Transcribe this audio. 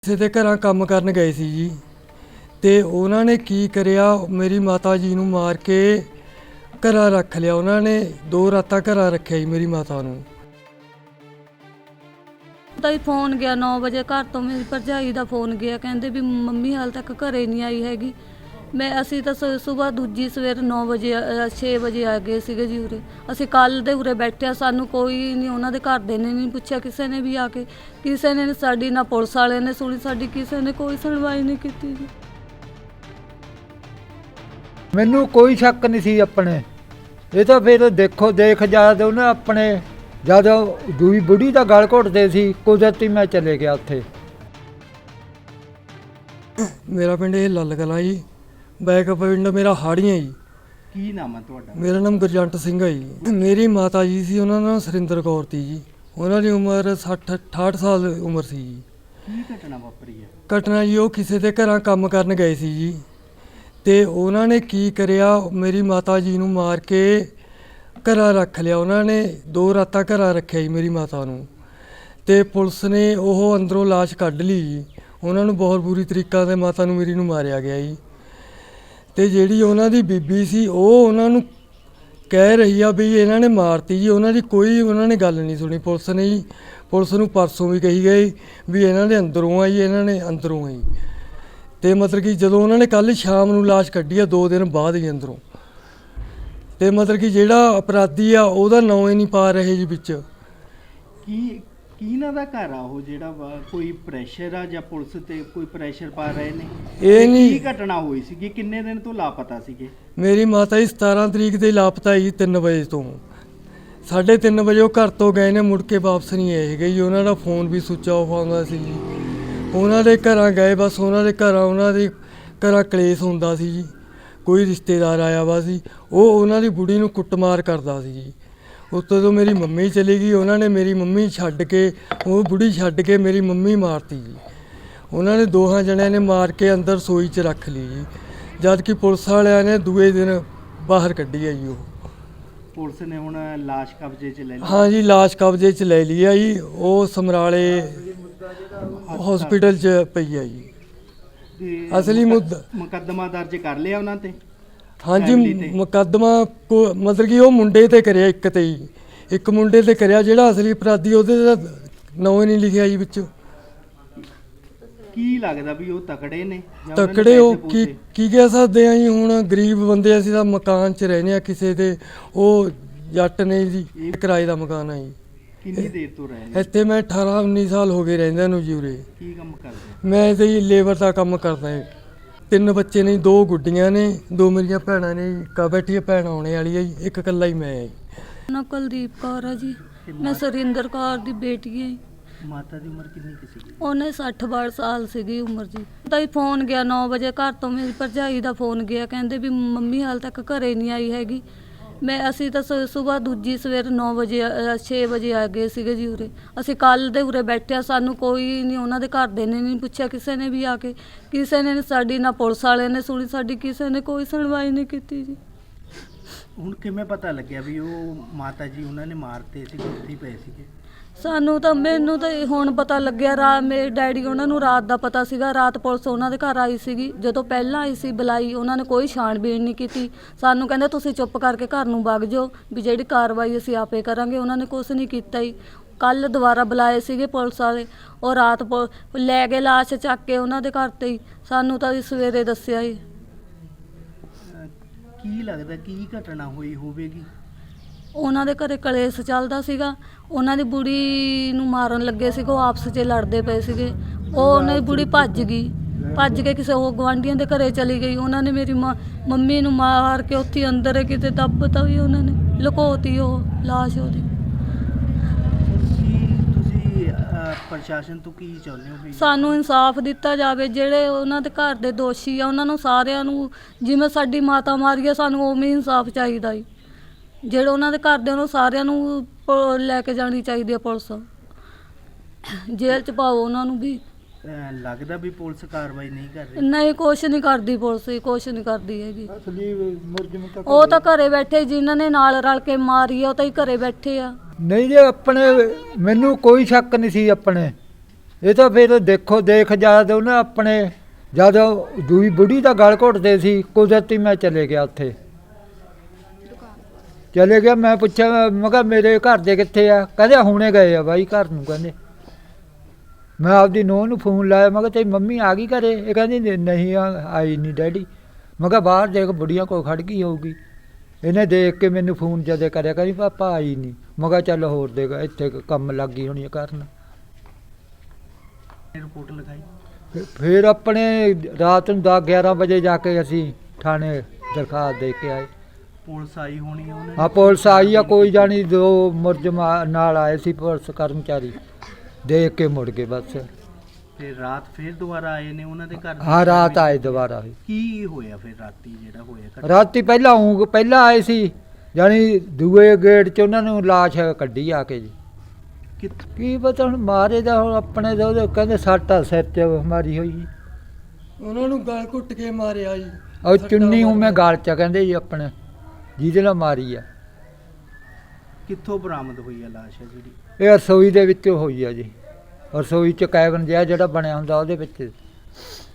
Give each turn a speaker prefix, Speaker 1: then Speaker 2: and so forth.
Speaker 1: ਕਿਸੇ ਦੇ ਘਰਾਂ ਕੰਮ ਕਰਨ ਗਏ ਸੀ ਜੀ ਤੇ ਉਹਨਾਂ ਨੇ ਕੀ ਕਰਿਆ, ਮੇਰੀ ਮਾਤਾ ਜੀ ਨੂੰ ਮਾਰ ਕੇ ਘਰਾਂ ਰੱਖ ਲਿਆ। ਉਹਨਾਂ ਨੇ 2 ਰਾਤਾਂ ਘਰਾਂ ਰੱਖਿਆ ਜੀ ਮੇਰੀ ਮਾਤਾ ਨੂੰ।
Speaker 2: ਤਾਂ ਹੀ ਫੋਨ ਗਿਆ 9 ਵਜੇ ਘਰ ਤੋਂ, ਮੇਰੀ ਭਰਜਾਈ ਦਾ ਫੋਨ ਗਿਆ, ਕਹਿੰਦੇ ਵੀ ਮੰਮੀ ਹਾਲ ਤੱਕ ਘਰੇ ਨਹੀਂ ਆਈ ਹੈਗੀ। ਅਸੀਂ ਤਾਂ ਸਵੇਰ ਦੂਜੀ ਸਵੇਰ 9 ਵਜੇ 6 ਵਜੇ ਆ ਗਏ ਸੀਗੇ ਜੀ ਉਰੇ। ਅਸੀਂ ਕੱਲ੍ਹ ਦੇ ਉਰੇ ਬੈਠਿਆ, ਸਾਨੂੰ ਕੋਈ ਨਹੀਂ, ਉਹਨਾਂ ਦੇ ਘਰ ਦੇ ਨੇ ਨਹੀਂ ਪੁੱਛਿਆ ਕਿਸੇ ਨੇ ਵੀ ਆ ਕੇ, ਕਿਸੇ ਨੇ ਸਾਡੀ ਨਾ ਪੁਲਿਸ ਵਾਲਿਆਂ ਨੇ ਸੁਣੀ ਸਾਡੀ, ਕਿਸੇ ਨੇ ਕੋਈ ਸੁਣਵਾਈ ਨਹੀਂ ਕੀਤੀ ਜੀ।
Speaker 3: ਮੈਨੂੰ ਕੋਈ ਸ਼ੱਕ ਨਹੀਂ ਸੀ ਆਪਣੇ, ਇਹ ਤਾਂ ਫਿਰ ਦੇਖ ਜਦ ਉਹਨੇ ਆਪਣੇ ਜਦ ਦੂਈ ਬੁੜੀ ਦਾ ਗਲ ਘੁੱਟਦੇ ਸੀ, ਕੁਦਰਤੀ ਮੈਂ ਚਲੇ ਗਿਆ ਉੱਥੇ।
Speaker 1: ਮੇਰਾ ਪਿੰਡ ਇਹ ਲੱਲ ਕਲਾਂ ਜੀ, ਬੈਕ ਪਿੰਡ ਮੇਰਾ ਹਾੜੀਆਂ ਜੀ।
Speaker 4: ਕੀ ਨਾਮ ਹੈ ਤੁਹਾਡਾ?
Speaker 1: ਮੇਰਾ ਨਾਮ ਗੁਰਜੰਟ ਸਿੰਘ ਹੈ ਜੀ। ਮੇਰੀ ਮਾਤਾ ਜੀ ਸੀ, ਉਹਨਾਂ ਦਾ ਨਾਮ ਸੁਰਿੰਦਰ ਕੌਰ ਸੀ ਜੀ। ਉਹਨਾਂ ਦੀ ਉਮਰ 60-68 ਸਾਲ ਉਮਰ ਸੀ ਜੀ।
Speaker 4: ਕੀ ਘਟਨਾ ਵਾਪਰੀ ਹੈ?
Speaker 1: ਘਟਨਾ ਜੀ, ਉਹ ਕਿਸੇ ਦੇ ਘਰਾਂ ਕੰਮ ਕਰਨ ਗਏ ਸੀ ਜੀ ਤੇ ਉਹਨਾਂ ਨੇ ਕੀ ਕਰਿਆ, ਮੇਰੀ ਮਾਤਾ ਜੀ ਨੂੰ ਮਾਰ ਕੇ ਘਰਾਂ ਰੱਖ ਲਿਆ। ਉਹਨਾਂ ਨੇ 2 ਰਾਤਾਂ ਘਰਾਂ ਰੱਖਿਆ ਜੀ ਮੇਰੀ ਮਾਤਾ ਨੂੰ ਤੇ ਪੁਲਿਸ ਨੇ ਉਹ ਅੰਦਰੋਂ ਲਾਸ਼ ਕੱਢ ਲਈ ਜੀ। ਉਹਨਾਂ ਨੂੰ ਬਹੁਤ ਬੁਰੀ ਤਰੀਕਾ ਨਾਲ ਮਾਤਾ ਨੂੰ ਮੇਰੀ ਨੂੰ ਮਾਰਿਆ ਗਿਆ ਜੀ। ਤੇ ਜਿਹੜੀ ਉਹਨਾਂ ਦੀ ਬੀਬੀ ਸੀ, ਉਹ ਉਹਨਾਂ ਨੂੰ ਕਹਿ ਰਹੀ ਆ ਵੀ ਇਹਨਾਂ ਨੇ ਮਾਰਤੀ ਜੀ। ਉਹਨਾਂ ਦੀ ਕੋਈ ਉਹਨਾਂ ਨੇ ਗੱਲ ਨਹੀਂ ਸੁਣੀ ਪੁਲਿਸ ਨੇ ਜੀ। ਪੁਲਿਸ ਨੂੰ ਪਰਸੋਂ ਵੀ ਕਹੀ ਗਈ ਵੀ ਇਹਨਾਂ ਦੇ ਅੰਦਰੋਂ ਆ ਜੀ, ਇਹਨਾਂ ਨੇ ਅੰਦਰੋਂ ਆ ਜੀ। ਤੇ ਮਤਲਬ ਕਿ ਜਦੋਂ ਉਹਨਾਂ ਨੇ ਕੱਲ੍ਹ ਸ਼ਾਮ ਨੂੰ ਲਾਸ਼ ਕੱਢੀ ਆ 2 ਦਿਨ ਬਾਅਦ ਜੀ ਅੰਦਰੋਂ, ਤੇ ਮਤਲਬ ਕਿ ਜਿਹੜਾ ਅਪਰਾਧੀ ਆ ਉਹਦਾ ਨਾਂ ਹੀ ਨਹੀਂ ਪਾ ਰਹੇ ਜੀ ਵਿੱਚ।
Speaker 4: ਕੀ ਇਹਨਾਂ ਦਾ ਘਰ ਆ ਉਹ ਜਿਹੜਾ ਕੋਈ ਪ੍ਰੈਸ਼ਰ ਆ ਜਾਂ ਪੁਲਿਸ ਤੇ ਕੋਈ ਪ੍ਰੈਸ਼ਰ ਪਾ ਰਹੇ ਨੇ?
Speaker 1: ਇਹ ਨਹੀਂ,
Speaker 4: ਕੀ ਘਟਨਾ ਹੋਈ ਸੀਗੀ? ਕਿੰਨੇ ਦਿਨ ਤੋਂ ਲਾਪਤਾ ਸੀਗੇ?
Speaker 1: ਮੇਰੀ ਮਾਤਾ ਜੀ 17 ਤਰੀਕ ਦੇ ਲਾਪਤਾ ਜੀ 3 ਵਜੇ ਤੋਂ। 3:30 ਵਜੇ ਉਹ ਘਰ ਤੋਂ ਗਏ ਨੇ, ਮੁੜ ਕੇ ਵਾਪਸ ਨਹੀਂ ਆਏ ਹੈਗੇ ਜੀ। ਉਹਨਾਂ ਦਾ ਫੋਨ ਵੀ ਸੁੱਚ ਆਫ ਆਉਂਦਾ ਸੀ ਜੀ। ਉਹਨਾਂ ਦੇ ਘਰਾਂ ਗਏ, ਬਸ ਉਹਨਾਂ ਦੇ ਘਰਾਂ ਕਲੇਸ਼ ਹੁੰਦਾ ਸੀ ਜੀ। ਕੋਈ ਰਿਸ਼ਤੇਦਾਰ ਆਇਆ ਵਾ ਸੀ, ਉਹ ਉਹਨਾਂ ਦੀ ਬੁੜੀ ਨੂੰ ਕੁੱਟਮਾਰ ਕਰਦਾ ਸੀ ਜੀ। ਉੱਤੋਂ ਜਦੋਂ ਮੇਰੀ ਮੰਮੀ ਚਲੀ ਗਈ, ਉਹਨਾਂ ਨੇ ਮੇਰੀ ਮੰਮੀ ਛੱਡ ਕੇ, ਉਹ ਬੁੜੀ ਛੱਡ ਕੇ ਮੇਰੀ ਮੰਮੀ ਮਾਰਤੀ ਜੀ। ਉਹਨਾਂ ਨੇ 2 ਜਣਿਆਂ ਨੇ ਮਾਰ ਕੇ ਅੰਦਰ ਰਸੋਈ 'ਚ ਰੱਖ ਲਈ ਜੀ, ਜਦ ਕਿ ਪੁਲਿਸ ਵਾਲਿਆਂ ਨੇ ਦੂਏ ਦਿਨ ਬਾਹਰ ਕੱਢੀ ਹੈ ਜੀ। ਉਹ
Speaker 4: ਪੁਲਿਸ ਨੇ ਹੁਣ ਲਾਸ਼ ਕਬਜ਼ੇ 'ਚ ਲੈ ਲਈ?
Speaker 1: ਹਾਂ ਜੀ, ਲਾਸ਼ ਕਬਜ਼ੇ 'ਚ ਲੈ ਲਈ ਆ ਜੀ। ਉਹ ਸਮਰਾਲੇ ਹਸਪੀਟਲ 'ਚ ਪਈ ਆ ਜੀ। ਅਸਲੀ
Speaker 4: ਮੁਕੱਦਮਾ ਦਰਜ ਕਰ ਲਿਆ ਉਹਨਾਂ ਤੇ?
Speaker 1: ਹਾਂਜੀ, ਮੁਕੱਦਮਾ ਮਤਲਬ ਕਿ ਉਹ ਮੁੰਡੇ ਤੇ ਕਰਿਆ, ਇੱਕ ਤੇ ਹੀ, ਇੱਕ ਮੁੰਡੇ ਤੇ ਕਰਿਆ ਜਿਹੜਾ ਅਸਲੀ ਅਪਰਾਧੀ, ਉਹਦੇ ਦਾ ਨਾਂ ਹੀ ਨਹੀਂ ਲਿਖਿਆ ਜੀ ਵਿੱਚ।
Speaker 4: ਕੀ ਲੱਗਦਾ ਵੀ ਉਹ ਤਕੜੇ ਨੇ ਜਾਂ ਉਹਨਾਂ ਨੇ
Speaker 1: ਤਕੜੇ ਉਹ
Speaker 4: ਪੈਸੇ
Speaker 1: ਕੀ ਕਹਿ ਸਕਦੇ ਆ ਜੀ। ਹੁਣ ਗਰੀਬ ਬੰਦੇ, ਅਸੀਂ ਤਾਂ ਮਕਾਨ 'ਚ ਰਹਿੰਦੇ ਆ ਕਿਸੇ ਦੇ, ਉਹ ਜੱਟ ਨੇ ਜੀ, ਕਿਰਾਏ ਦਾ ਮਕਾਨ ਆ ਜੀ।
Speaker 4: ਕਿੰਨੀ ਦੇਰ ਤੋਂ ਰਹੇ ਨੇ
Speaker 1: ਇੱਥੇ ਮੈਂ 18-19 ਸਾਲ ਹੋ ਗਏ ਰਹਿੰਦਿਆਂ ਨੂੰ ਜੀ ਉਰੇ।
Speaker 4: ਕੀ ਕੰਮ ਕਰਦੇ?
Speaker 1: ਮੈਂ ਤੇ ਜੀ ਲੇਬਰ ਦਾ ਕੰਮ ਕਰਦਾ ਹਾਂ। 3 ਬੱਚੇ ਨੇ, 2 ਗੁੱਡੀਆਂ ਨੇ, 2 ਮੇਰੀਆਂ ਭੈਣਾਂ ਨੇ ਜੀ। ਕਾ ਬੈਠੀ ਭੈਣ ਆਉਣੇ ਵਾਲੀ ਹੈ ਜੀ, ਇੱਕ ਇਕੱਲਾ ਹੀ ਮੈਂ ਹੈ ਜੀ।
Speaker 2: ਨਾ ਕੁਲਦੀਪ ਕੌਰ ਆ ਜੀ, ਮੈਂ ਸੁਰਿੰਦਰ ਕੌਰ ਦੀ ਬੇਟੀ ਹਾਂ।
Speaker 4: ਮਾਤਾ ਦੀ ਉਮਰ ਕਿੰਨੀ ਕੁ ਸੀਗੀ?
Speaker 2: ਉਹਨੇ 60 ਸਾਲ ਸੀਗੀ ਉਮਰ ਜੀ। ਤਾਂ ਹੀ ਫੋਨ ਗਿਆ 9 ਵਜੇ ਘਰ ਤੋਂ, ਮੇਰੀ ਭਰਜਾਈ ਦਾ ਫੋਨ ਗਿਆ, ਕਹਿੰਦੇ ਵੀ ਮੰਮੀ ਹਾਲ ਤੱਕ ਘਰੇ ਨਹੀਂ ਆਈ ਹੈਗੀ। ਅਸੀਂ ਤਾਂ ਸਵੇਰ ਦੂਜੀ ਸਵੇਰ 9 ਵਜੇ 6 ਵਜੇ ਆ ਗਏ ਸੀਗੇ ਜੀ ਉਰੇ। ਅਸੀਂ ਕੱਲ੍ਹ ਦੇ ਉਰੇ ਬੈਠਿਆ, ਸਾਨੂੰ ਕੋਈ ਨਹੀਂ, ਉਹਨਾਂ ਦੇ ਘਰ ਦੇ ਨੇ ਨਹੀਂ ਪੁੱਛਿਆ ਕਿਸੇ ਨੇ ਵੀ ਆ ਕੇ, ਕਿਸੇ ਨੇ ਸਾਡੀ ਨਾ ਪੁਲਿਸ ਵਾਲਿਆਂ ਨੇ ਸੁਣੀ ਸਾਡੀ, ਕਿਸੇ ਨੇ ਕੋਈ ਸੁਣਵਾਈ ਨਹੀਂ ਕੀਤੀ ਜੀ।
Speaker 4: ਹੁਣ ਕਿਵੇਂ ਪਤਾ ਲੱਗਿਆ ਵੀ ਉਹ ਮਾਤਾ ਜੀ ਉਹਨਾਂ ਨੇ ਮਾਰਤੇ ਸੀ, ਉੱਥੇ ਪਏ ਸੀਗੇ?
Speaker 2: ਮੈਨੂੰ ਤਾਂ ਹੁਣ ਪਤਾ ਲੱਗਿਆ, ਮੇਰੇ ਡੈਡੀ ਉਹਨਾਂ ਨੂੰ ਰਾਤ ਦਾ ਪਤਾ ਸੀਗਾ। ਰਾਤ ਪੁਲਿਸ ਉਹਨਾਂ ਦੇ ਘਰ ਆਈ ਸੀਗੀ, ਜਦੋਂ ਪਹਿਲਾਂ ਆਈ ਸੀ ਬੁਲਾਈ, ਉਹਨਾਂ ਨੇ ਕੋਈ ਛਾਣਬੀਣ ਨਹੀਂ ਕੀਤੀ। ਸਾਨੂੰ ਕਹਿੰਦੇ ਤੁਸੀਂ ਚੁੱਪ ਕਰਕੇ ਘਰ ਨੂੰ ਵਗ ਜਾਓ, ਵੀ ਜਿਹੜੀ ਕਾਰਵਾਈ ਅਸੀਂ ਆਪੇ ਕਰਾਂਗੇ। ਉਹਨਾਂ ਨੇ ਕੁਛ ਨਹੀਂ ਕੀਤਾ ਹੀ। ਕੱਲ੍ਹ ਦੁਬਾਰਾ ਬੁਲਾਏ ਸੀਗੇ ਪੁਲਿਸ ਵਾਲੇ, ਉਹ ਰਾਤ ਲੈ ਗਏ ਲਾਸ਼ ਚੱਕ ਕੇ ਉਹਨਾਂ ਦੇ ਘਰ 'ਤੇ ਹੀ। ਸਾਨੂੰ ਤਾਂ ਸਵੇਰੇ ਦੱਸਿਆ ਹੀ।
Speaker 4: ਕੀ ਲੱਗਦਾ ਕੀ ਘਟਨਾ ਹੋਈ ਹੋਵੇਗੀ?
Speaker 2: ਉਹਨਾਂ ਦੇ ਘਰੇ ਕਲੇਸ਼ ਚੱਲਦਾ ਸੀਗਾ, ਉਹਨਾਂ ਦੀ ਬੁੜੀ ਨੂੰ ਮਾਰਨ ਲੱਗੇ ਸੀਗੇ, ਉਹ ਆਪਸ 'ਚ ਲੜਦੇ ਪਏ ਸੀਗੇ। ਉਹਨਾਂ ਦੀ ਬੁੜੀ ਭੱਜ ਕੇ ਕਿਸੇ ਉਹ ਗੁਆਂਢੀਆਂ ਦੇ ਘਰੇ ਚਲੀ ਗਈ। ਉਹਨਾਂ ਨੇ ਮੇਰੀ ਮੰਮੀ ਨੂੰ ਮਾਰ ਕੇ ਉੱਥੇ ਅੰਦਰ ਕਿਤੇ ਦੱਬਤਾ ਵੀ, ਉਹਨਾਂ ਨੇ ਲੁਕੋਤੀ ਉਹ ਲਾਸ਼ ਉਹਦੀ।
Speaker 4: ਤੁਸੀਂ ਪ੍ਰਸ਼ਾਸਨ ਤੋਂ ਕੀ ਚਾਹੁੰਦੇ ਹੋ ਵੀ?
Speaker 2: ਸਾਨੂੰ ਇਨਸਾਫ ਦਿੱਤਾ ਜਾਵੇ। ਜਿਹੜੇ ਉਹਨਾਂ ਦੇ ਘਰ ਦੇ ਦੋਸ਼ੀ ਆ, ਉਹਨਾਂ ਨੂੰ ਸਾਰਿਆਂ ਨੂੰ, ਜਿਵੇਂ ਸਾਡੀ ਮਾਤਾ ਮਾਰੀ ਆ, ਸਾਨੂੰ ਉਵੇਂ ਇਨਸਾਫ ਚਾਹੀਦਾ ਜੀ। ਜਿਹੜੇ ਉਹਨਾਂ ਦੇ ਘਰ ਦੇ, ਉਹਨੂੰ ਸਾਰਿਆਂ ਨੂੰ ਲੈ ਕੇ ਜਾਣੀ ਚਾਹੀਦੀ ਆ ਪੁਲਿਸ, ਜੇਲ੍ਹ 'ਚ ਪਾਓ ਉਹਨਾਂ ਨੂੰ ਵੀ।
Speaker 4: ਲੱਗਦਾ ਵੀ ਪੁਲਿਸ ਕਾਰਵਾਈ ਨਹੀਂ ਕਰ ਰਹੀ?
Speaker 2: ਨਹੀਂ, ਕੁਛ ਨਹੀਂ ਕਰਦੀ ਪੁਲਿਸ, ਕੁਛ ਨਹੀਂ ਕਰਦੀ ਹੈਗੀ।
Speaker 3: ਅਸਲੀ ਮੁਲਜ਼ਮ ਤਾਂ
Speaker 2: ਉਹ ਤਾਂ ਘਰੇ ਬੈਠੇ, ਜਿਨ੍ਹਾਂ ਨੇ ਨਾਲ ਰਲ ਕੇ ਮਾਰੀ ਆ, ਉਹ ਤਾਂ ਹੀ ਘਰੇ ਬੈਠੇ ਆ।
Speaker 3: ਨਹੀਂ ਜੀ, ਆਪਣੇ ਮੈਨੂੰ ਕੋਈ ਸ਼ੱਕ ਨਹੀਂ ਸੀ ਆਪਣੇ, ਇਹ ਤਾਂ ਫਿਰ ਦੇਖੋ ਦੇਖ ਜਦ ਉਹਨੇ ਆਪਣੇ ਜਦ ਦੂਈ ਬੁੜੀ ਦਾ ਗਲ ਘੁੱਟਦੇ ਸੀ ਕੁਦਰਤੀ ਮੈਂ ਚਲੇ ਗਿਆ ਉੱਥੇ ਚਲੇ ਗਿਆ। ਮੈਂ ਪੁੱਛਿਆ ਮੈਂ ਕਿਹਾ ਮੇਰੇ ਘਰ ਦੇ ਕਿੱਥੇ ਆ? ਕਹਿੰਦੇ ਹੁਣੇ ਗਏ ਆ ਬਾਈ ਘਰ ਨੂੰ। ਕਹਿੰਦੇ ਮੈਂ ਆਪਦੀ ਨੂੰਹ ਨੂੰ ਫੋਨ ਲਾਇਆ, ਮੈਂ ਕਿਹਾ ਤੇਰੀ ਮੰਮੀ ਆ ਗਈ ਘਰੇ? ਇਹ ਕਹਿੰਦੀ ਨਹੀਂ ਆਈ ਨਹੀਂ ਡੈਡੀ। ਮੈਂ ਕਿਹਾ ਬਾਹਰ ਦੇਖ ਬੁੜੀਆਂ ਕੋਲ ਖੜ ਗਈ ਹੋਊਗੀ। ਇਹਨੇ ਦੇਖ ਕੇ ਮੈਨੂੰ ਫੋਨ ਜਦੇ ਕਰਿਆ, ਕਹਿੰਦੀ ਪਾਪਾ ਆਈ ਨਹੀਂ। ਮੈਂ ਕਿਹਾ ਚੱਲ ਹੋਰ ਦੇਖ ਇੱਥੇ ਕੰਮ ਲੱਗ ਗਈ ਹੋਣੀ ਕਰਨ।
Speaker 4: ਰਿਪੋਰਟ ਲਿਖਾਈ?
Speaker 3: ਫਿਰ ਆਪਣੇ ਰਾਤ ਨੂੰ 10-11 ਵਜੇ ਜਾ ਕੇ ਅਸੀਂ ਥਾਣੇ ਦਰਖਾਸਤ ਦੇ ਕੇ ਆਏ।
Speaker 4: ਪੁਲਿਸ ਆਈ ਹੋਣੀ ਹੈ ਉਹਨੇ?
Speaker 3: ਹਾਂ ਪੁਲਿਸ ਆਈ ਆ, ਕੋਈ ਜਾਣੀ 2 ਮੁਲਜ਼ਮ ਨਾਲ ਆਏ ਸੀ ਪੁਲਿਸ ਕਰਮਚਾਰੀ, ਦੇਖ ਕੇ ਮੁੜ ਗਏ ਬਸ।
Speaker 4: ਫਿਰ ਰਾਤ ਫਿਰ ਦੁਬਾਰਾ ਆਏ ਨੇ ਉਹਨਾਂ ਦੇ ਘਰ?
Speaker 3: ਹਾਂ ਰਾਤ ਆਏ ਦੁਬਾਰਾ।
Speaker 4: ਕੀ ਹੋਇਆ ਫਿਰ ਰਾਤੀ ਜਿਹੜਾ ਹੋਇਆ ਘਟਨਾ?
Speaker 3: ਰਾਤੀ ਪਹਿਲਾਂ ਆਏ ਸੀ ਜਾਣੀ ਦੂਏ ਗੇਟ 'ਚ ਉਹਨਾਂ ਨੂੰ ਲਾਸ਼ ਕੱਢੀ ਆ ਕੇ ਜੀ। ਕੀ ਪਤਾ ਹੁਣ ਮਾਰੇ ਦਾ ਹੁਣ ਆਪਣੇ ਦਾ ਉਹਦੇ ਕਹਿੰਦੇ ਸੱਟ ਆ ਸਿਰ 'ਚ ਮਾਰੀ ਹੋਈ ਜੀ।
Speaker 1: ਉਹਨਾਂ ਨੂੰ ਗਲ ਘੁੱਟ ਕੇ ਮਾਰਿਆ ਜੀ।
Speaker 3: ਉਹ ਚੁੰਨੀ ਉਵੇਂ ਗਲ 'ਚ ਕਹਿੰਦੇ ਜੀ ਆਪਣੇ ਜਿਹਦੇ ਨਾਲ ਮਾਰੀ ਆ।
Speaker 4: ਕਿੱਥੋਂ ਬਰਾਮਦ ਹੋਈ ਆ ਲਾਸ਼ ਹੈ ਜਿਹੜੀ?
Speaker 3: ਇਹ ਰਸੋਈ ਦੇ ਵਿੱਚ ਹੋਈ ਆ ਜੀ। ਰਸੋਈ 'ਚ ਕੈਬਨ ਜਿਹਾ ਜਿਹੜਾ ਬਣਿਆ ਹੁੰਦਾ ਉਹਦੇ ਵਿੱਚ।